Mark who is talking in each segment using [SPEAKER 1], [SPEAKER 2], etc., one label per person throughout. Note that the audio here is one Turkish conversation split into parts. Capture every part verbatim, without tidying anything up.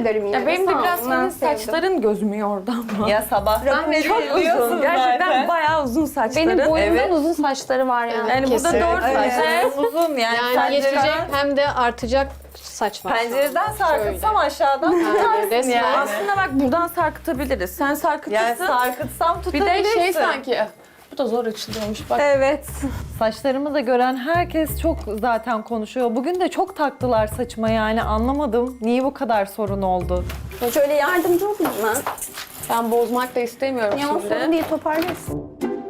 [SPEAKER 1] ederim yine.
[SPEAKER 2] Ya benim de
[SPEAKER 1] Sağ
[SPEAKER 2] biraz
[SPEAKER 1] olun, ben
[SPEAKER 2] senin
[SPEAKER 1] sevdim.
[SPEAKER 2] saçların gözümü yordu ama.
[SPEAKER 3] Ya sabahtan beri
[SPEAKER 2] çok
[SPEAKER 3] biliyorsun
[SPEAKER 2] uzun. Gerçekten
[SPEAKER 3] zaten.
[SPEAKER 2] bayağı uzun saçların.
[SPEAKER 4] Benim boyumdan
[SPEAKER 3] Evet.
[SPEAKER 4] uzun saçları var yani.
[SPEAKER 2] Yani burada
[SPEAKER 5] Kesin.
[SPEAKER 2] dört
[SPEAKER 3] Evet,
[SPEAKER 2] saç. Evet.
[SPEAKER 3] uzun yani,
[SPEAKER 5] Yani yetecek
[SPEAKER 3] pencereden,
[SPEAKER 5] hem de artacak saç var.
[SPEAKER 3] pencereden sarkıtsam aşağıdan
[SPEAKER 5] Yani
[SPEAKER 3] tutarsın
[SPEAKER 5] resmen.
[SPEAKER 3] yani.
[SPEAKER 2] Aslında bak buradan sarkıtabiliriz. Sen sarkıtırsın.
[SPEAKER 3] Yani sarkıtsam
[SPEAKER 2] bir
[SPEAKER 3] tutabilirsin.
[SPEAKER 2] de şey sanki. Bu da zor açılıyormuş bak.
[SPEAKER 1] Evet.
[SPEAKER 3] Saçlarımı da gören herkes çok zaten konuşuyor. Bugün de çok taktılar saçıma yani anlamadım. Niye bu kadar sorun oldu?
[SPEAKER 1] Şöyle yardımcı olayım ben.
[SPEAKER 2] Ben bozmak da istemiyorum
[SPEAKER 1] Ya
[SPEAKER 2] şimdi.
[SPEAKER 1] sorun değil, toparlarsın.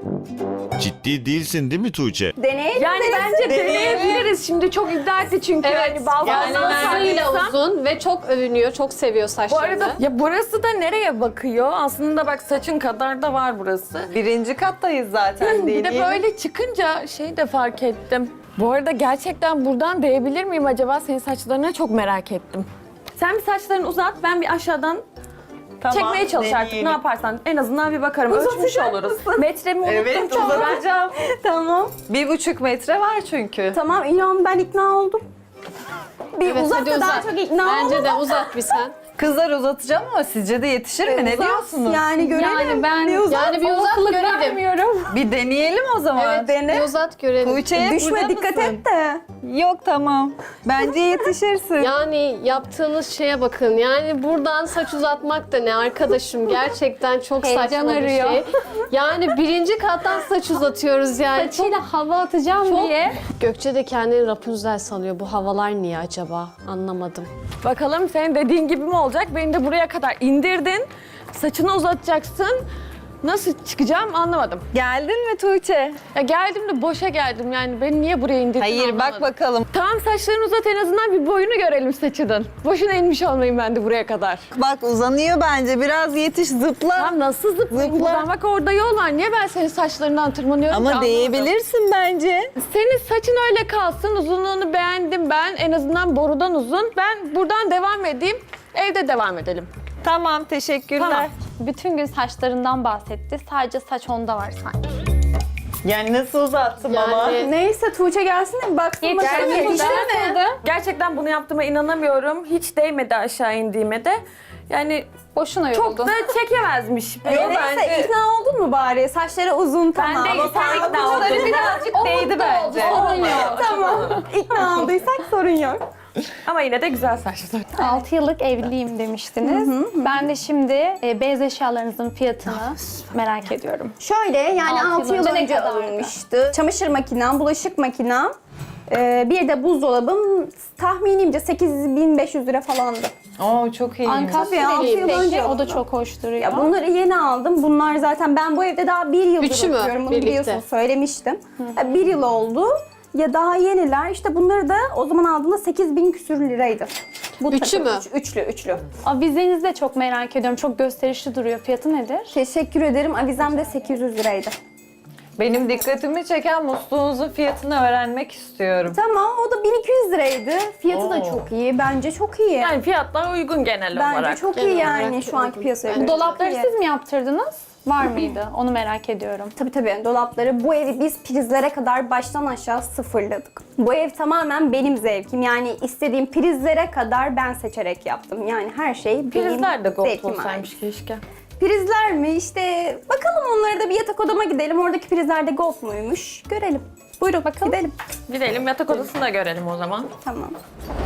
[SPEAKER 6] Ciddi değilsin değil mi Tuğçe?
[SPEAKER 1] Deneyelim.
[SPEAKER 2] Yani bence deneyebiliriz. Şimdi çok iddia etti çünkü.
[SPEAKER 5] Evet.
[SPEAKER 2] Hani balkondan
[SPEAKER 5] Yani saçıyla
[SPEAKER 2] sardıysam-
[SPEAKER 5] uzun ve çok övünüyor. Çok seviyor
[SPEAKER 2] Bu
[SPEAKER 5] saçlarını.
[SPEAKER 2] arada ya burası da nereye bakıyor? Aslında bak saçın kadar da var burası.
[SPEAKER 3] Birinci kattayız zaten
[SPEAKER 2] Bir
[SPEAKER 3] değil.
[SPEAKER 2] de böyle çıkınca şey de fark ettim. Bu arada gerçekten buradan değebilir miyim acaba senin saçlarına, çok merak ettim. Sen bir saçlarını uzat, ben bir aşağıdan
[SPEAKER 3] Tamam,
[SPEAKER 2] çekmeye çalış artık.
[SPEAKER 3] deneyelim.
[SPEAKER 2] Ne yaparsan en azından bir bakarım. Ölçmüş oluruz. Metremi unuttum.
[SPEAKER 3] Evet
[SPEAKER 2] çok.
[SPEAKER 3] uzatacağım.
[SPEAKER 1] Tamam.
[SPEAKER 3] Bir buçuk metre var çünkü.
[SPEAKER 1] Tamam, inan ben ikna oldum. Bir
[SPEAKER 5] Evet,
[SPEAKER 1] uzat
[SPEAKER 5] hadi
[SPEAKER 1] da daha
[SPEAKER 5] uzat.
[SPEAKER 1] çok ikna
[SPEAKER 5] Bence
[SPEAKER 1] oldum.
[SPEAKER 5] de uzat bir sen.
[SPEAKER 3] Kızlar uzatacağım ama sizce de yetişir mi? Ne
[SPEAKER 1] Uzat,
[SPEAKER 3] diyorsunuz?
[SPEAKER 1] Yani görelim.
[SPEAKER 4] Yani ben
[SPEAKER 1] Bir uzat.
[SPEAKER 5] Yani bir uzat görelim.
[SPEAKER 3] Bir deneyelim o zaman.
[SPEAKER 5] Evet,
[SPEAKER 1] Dene.
[SPEAKER 5] bir uzat görelim.
[SPEAKER 3] Tuğçe'ye
[SPEAKER 1] Düşme,
[SPEAKER 3] burada
[SPEAKER 1] dikkat
[SPEAKER 3] mısın?
[SPEAKER 1] et de.
[SPEAKER 3] Yok tamam. Bence yetişirsin.
[SPEAKER 5] Yani yaptığınız şeye bakın. Yani buradan saç uzatmak da ne arkadaşım? Gerçekten çok
[SPEAKER 4] Heyecan
[SPEAKER 5] saçma bir
[SPEAKER 4] arıyor.
[SPEAKER 5] şey. Yani birinci kattan saç uzatıyoruz yani. Çok...
[SPEAKER 4] Saçıyla hava atacağım
[SPEAKER 5] Çok-
[SPEAKER 4] diye.
[SPEAKER 5] Gökçe de kendini Rapunzel sanıyor. Bu havalar niye acaba? Anlamadım.
[SPEAKER 2] Bakalım senin dediğin gibi mi olacak? Beni de buraya kadar indirdin. Saçını uzatacaksın. Nasıl çıkacağım anlamadım.
[SPEAKER 3] Geldin mi Tuğçe?
[SPEAKER 2] Ya geldim de boşa geldim yani. Beni niye buraya indirdin
[SPEAKER 3] Hayır
[SPEAKER 2] anlamadım.
[SPEAKER 3] bak bakalım.
[SPEAKER 2] Tamam saçlarını uzat, en azından bir boyunu görelim saçının. Boşuna inmiş olmayayım ben de buraya kadar.
[SPEAKER 3] Bak uzanıyor bence. Biraz yetiş zıpla.
[SPEAKER 2] Tamam nasıl zıplayayım
[SPEAKER 3] Zıpla.
[SPEAKER 2] buradan? Bak orada yol var. Niye ben senin saçlarından tırmanıyorum ki
[SPEAKER 3] Ama
[SPEAKER 2] anlamadım.
[SPEAKER 3] değebilirsin bence.
[SPEAKER 2] Senin saçın öyle kalsın. Uzunluğunu beğendim ben. En azından borudan uzun. Ben buradan devam edeyim. Evde devam edelim.
[SPEAKER 3] Tamam teşekkürler.
[SPEAKER 2] Tamam.
[SPEAKER 4] Bütün gün saçlarından bahsetti. Sadece saç onda var sanki.
[SPEAKER 3] Yani nasıl uzattım ama?
[SPEAKER 5] Yani
[SPEAKER 1] Neyse Tuğçe gelsin de bir baksın bakalım
[SPEAKER 4] Yetişti mi?
[SPEAKER 1] yetişti mi?
[SPEAKER 2] Gerçekten bunu yaptığıma inanamıyorum. Hiç değmedi aşağı indiğime de. Yani
[SPEAKER 4] Boşuna
[SPEAKER 2] çok
[SPEAKER 4] yoruldun.
[SPEAKER 2] da çekemezmiş.
[SPEAKER 1] Neyse
[SPEAKER 3] bence-
[SPEAKER 1] ikna oldun mu bari? Saçları uzun
[SPEAKER 2] Ben
[SPEAKER 1] tamam.
[SPEAKER 2] de sen ikna oldun.
[SPEAKER 3] birazcık değdi bence.
[SPEAKER 4] Sorun yok.
[SPEAKER 1] Tamam. İkna olduysak sorun yok.
[SPEAKER 2] Ama yine de güzel saçlar.
[SPEAKER 4] altı yıllık evliyim demiştiniz. Ben de şimdi e, beyaz eşyalarınızın fiyatını merak ediyorum.
[SPEAKER 1] Şöyle yani
[SPEAKER 4] Altı
[SPEAKER 1] altı
[SPEAKER 4] yıl
[SPEAKER 1] yıl
[SPEAKER 4] önce ne
[SPEAKER 1] önce
[SPEAKER 4] kadardı?
[SPEAKER 1] alınmıştı. Çamaşır makinem, bulaşık makinem, e, bir de buzdolabım tahminimce sekiz bin beş yüz lira falandı.
[SPEAKER 3] Oo çok iyi.
[SPEAKER 1] Tabii, altı yıl
[SPEAKER 4] Peki,
[SPEAKER 1] önce
[SPEAKER 4] o da
[SPEAKER 1] oldu.
[SPEAKER 4] çok hoş duruyor.
[SPEAKER 1] Ya bunları yeni aldım. Bunlar zaten ben bu evde daha bir yıldır
[SPEAKER 5] Üçü mü
[SPEAKER 1] oturuyorum. Bunu
[SPEAKER 5] birlikte?
[SPEAKER 1] biliyorsunuz, söylemiştim. Ya bir yıl oldu. Ya daha yeniler. İşte bunları da o zaman aldığımda sekiz bin küsür liraydı. Bu
[SPEAKER 5] Üçü
[SPEAKER 1] takım,
[SPEAKER 5] mü?
[SPEAKER 1] Üç, üçlü, üçlü.
[SPEAKER 4] Avizenizi de çok merak ediyorum. Çok gösterişli duruyor. Fiyatı nedir?
[SPEAKER 1] Teşekkür ederim. Avizem de sekiz yüz liraydı.
[SPEAKER 3] Benim dikkatimi çeken musluğunuzun fiyatını öğrenmek istiyorum.
[SPEAKER 1] Tamam, o da bin iki yüz liraydı. Fiyatı da
[SPEAKER 3] Oo.
[SPEAKER 1] çok iyi. Bence çok iyi.
[SPEAKER 2] Yani fiyatlar uygun genel
[SPEAKER 1] Bence
[SPEAKER 2] olarak.
[SPEAKER 1] çok
[SPEAKER 5] Genel
[SPEAKER 1] iyi
[SPEAKER 5] olarak
[SPEAKER 1] yani şu anki
[SPEAKER 5] uygun.
[SPEAKER 1] piyasaya
[SPEAKER 5] Bu
[SPEAKER 1] göre.
[SPEAKER 4] Dolapları
[SPEAKER 1] Çok iyi.
[SPEAKER 4] siz mi yaptırdınız? Var mıydı? Onu merak ediyorum.
[SPEAKER 1] Tabii tabii dolapları. Bu evi biz prizlere kadar baştan aşağı sıfırladık. Bu ev tamamen benim zevkim. Yani istediğim prizlere kadar ben seçerek yaptım. Yani her şey benim
[SPEAKER 2] Prizler de gold
[SPEAKER 1] zevkime ait.
[SPEAKER 2] olsaymış keşke.
[SPEAKER 1] Prizler mi? İşte bakalım onlara da bir yatak odama gidelim. Oradaki prizler de gold muymuş? Görelim. Buyurun bakalım. Gidelim.
[SPEAKER 2] Gidelim yatak odasını da görelim o zaman.
[SPEAKER 1] Tamam.